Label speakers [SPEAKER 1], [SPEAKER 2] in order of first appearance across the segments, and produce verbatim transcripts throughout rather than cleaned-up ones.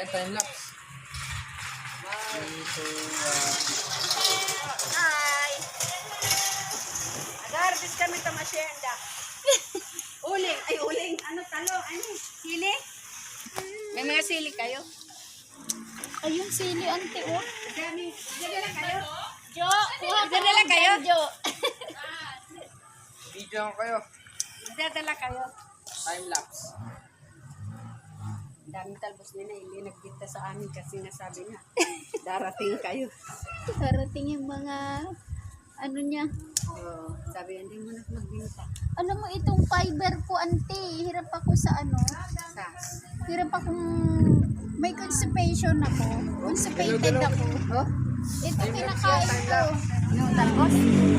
[SPEAKER 1] tayo time lapse. three, two, one.
[SPEAKER 2] Hi! Nag-harvest kami ito masyenda. Uling, ay uling. Ano talo? Ano? Sili? May mga sili kayo?
[SPEAKER 3] Ayun, sili, ante, oh.
[SPEAKER 2] Dami. Dali lang kayo?
[SPEAKER 3] Jo, kuha ka
[SPEAKER 2] Dala
[SPEAKER 3] lang
[SPEAKER 2] kayo?
[SPEAKER 3] Jo.
[SPEAKER 1] Video ko kayo.
[SPEAKER 2] Dadala kayo.
[SPEAKER 1] Time lapse.
[SPEAKER 2] Ang daming talbos nila. Hindi nagkita sa amin kasi nasabi na darating kayo.
[SPEAKER 3] Karating yung mga, ano niya.
[SPEAKER 2] So, sabi, hindi mo na magbinta.
[SPEAKER 3] Alam mo, itong fiber ko, ante, hirap ako sa ano.
[SPEAKER 2] Sa?
[SPEAKER 3] Hirap akong, may constipation ako. Constipated ako.
[SPEAKER 2] Oh?
[SPEAKER 3] Ito kinakain ko.
[SPEAKER 2] Yung talbos?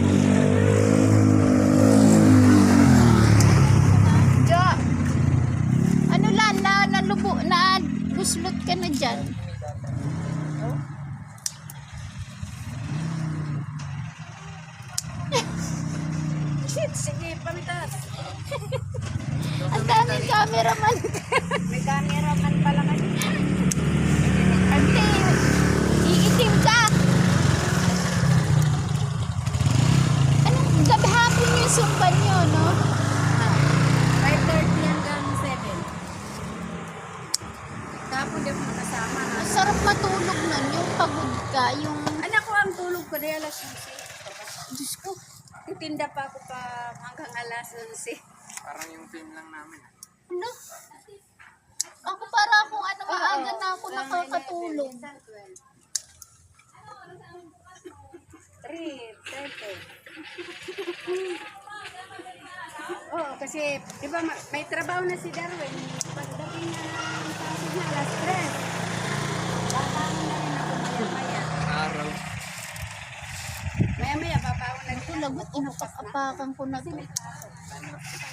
[SPEAKER 3] Jo, ano lang, na, nalubo, na buslot ka na dyan.
[SPEAKER 2] Oh? Shit, sige, pamitas.
[SPEAKER 3] Ang daming cameraman.
[SPEAKER 2] May camera man pala kayo.
[SPEAKER 3] Ante, iitim ka. Anong gabi hapon yung sumban nyo, no?
[SPEAKER 2] five thirty hanggang seven. Tapos di mo nakasama na.
[SPEAKER 3] Ang sarap matulog nun, yung pagod ka, yung,
[SPEAKER 2] Anak ko, ang tulog ko dahil alas onse.
[SPEAKER 3] Diyos ko,
[SPEAKER 2] Titinda pa ako pa hanggang alas onse.
[SPEAKER 1] Parang yung film lang namin.
[SPEAKER 3] ano? Ako para akong ano, maaga na ako nakakatulog.
[SPEAKER 2] three thirty. Oo, kasi, di ba, ma- may trabaho na si Darwin. Pagdating na ang pasok na alas tres. Babangon na rin ako maya-maya.
[SPEAKER 1] Araw.
[SPEAKER 2] Maya-maya, babangon na rin
[SPEAKER 3] Ito lagot, inupak-apakan ko na to.
[SPEAKER 1] Time lapse.